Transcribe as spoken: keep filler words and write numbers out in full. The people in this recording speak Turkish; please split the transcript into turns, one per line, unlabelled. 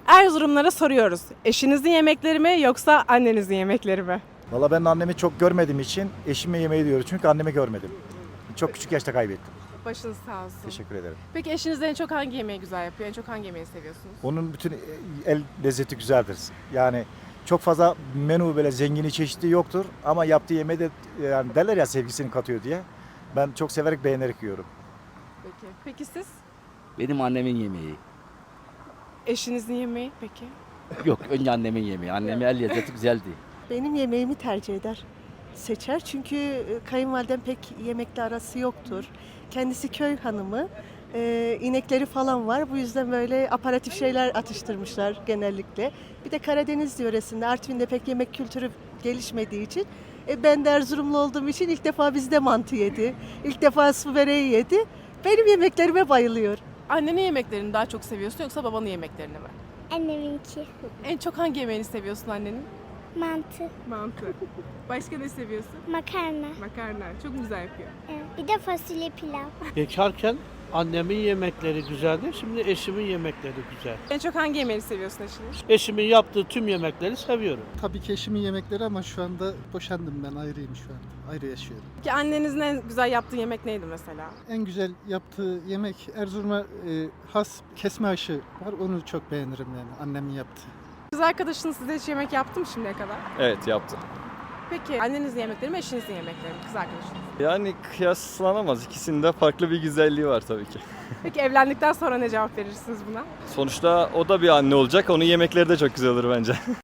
Erzurumlara soruyoruz. Eşinizin yemekleri mi yoksa annenizin yemekleri mi?
Valla ben annemi çok görmediğim için eşime yemeği diyorum. Çünkü annemi görmedim. Çok küçük yaşta kaybettim.
Başınız sağ olsun.
Teşekkür ederim.
Peki eşiniz en çok hangi yemeği güzel yapıyor? En çok hangi yemeği seviyorsunuz?
Onun bütün el lezzeti güzeldir. Yani çok fazla menü böyle zengini çeşitli yoktur. Ama yaptığı yemeği de yani derler ya sevgisini katıyor diye. Ben çok severek beğenerek yiyorum.
Peki. Peki siz?
Benim annemin yemeği.
Eşinizin yemeği peki?
Yok, önce annemin yemeği. Annemin el lezzeti güzeldi.
Benim yemeğimi tercih eder, seçer. Çünkü e, kayınvalidem pek yemekle arası yoktur. Kendisi köy hanımı, e, inekleri falan var. Bu yüzden böyle aparatif şeyler atıştırmışlar genellikle. Bir de Karadeniz yöresinde, Artvin'de pek yemek kültürü gelişmediği için e, ben de Erzurumlu olduğum için ilk defa bizde mantı yedi. İlk defa su böreği yedi. Benim yemeklerime bayılıyor.
Annenin yemeklerini daha çok seviyorsun yoksa babanın yemeklerini mi?
Anneminki.
En çok hangi yemeğini seviyorsun annenin?
Mantı,
Mantı. Başka ne seviyorsun?
makarna,
Makarna. Çok güzel yapıyor.
evet. Bir de fasulye pilav.
Bekarken annemin yemekleri güzeldi. Şimdi eşimin yemekleri güzel.
En çok hangi yemeğini seviyorsun eşinin?
Eşimin yaptığı tüm yemekleri seviyorum.
Tabii ki eşimin yemekleri ama şu anda boşandım ben, ayrıyım şu an. Ayrı yaşıyorum.
Peki annenizin en güzel yaptığı yemek neydi mesela?
En güzel yaptığı yemek Erzurum'a e, has kesme aşı var. Onu çok beğenirim yani annemin yaptığı.
Kız arkadaşınız size hiç yemek yaptı mı şimdiye kadar?
Evet yaptım.
Peki annenizin yemekleri mi eşinizin yemekleri mi? Kız arkadaşınız.
Yani kıyaslanamaz. İkisinde farklı bir güzelliği var tabii ki.
Peki evlendikten sonra ne cevap verirsiniz buna?
Sonuçta o da bir anne olacak. Onun yemekleri de çok güzel olur bence.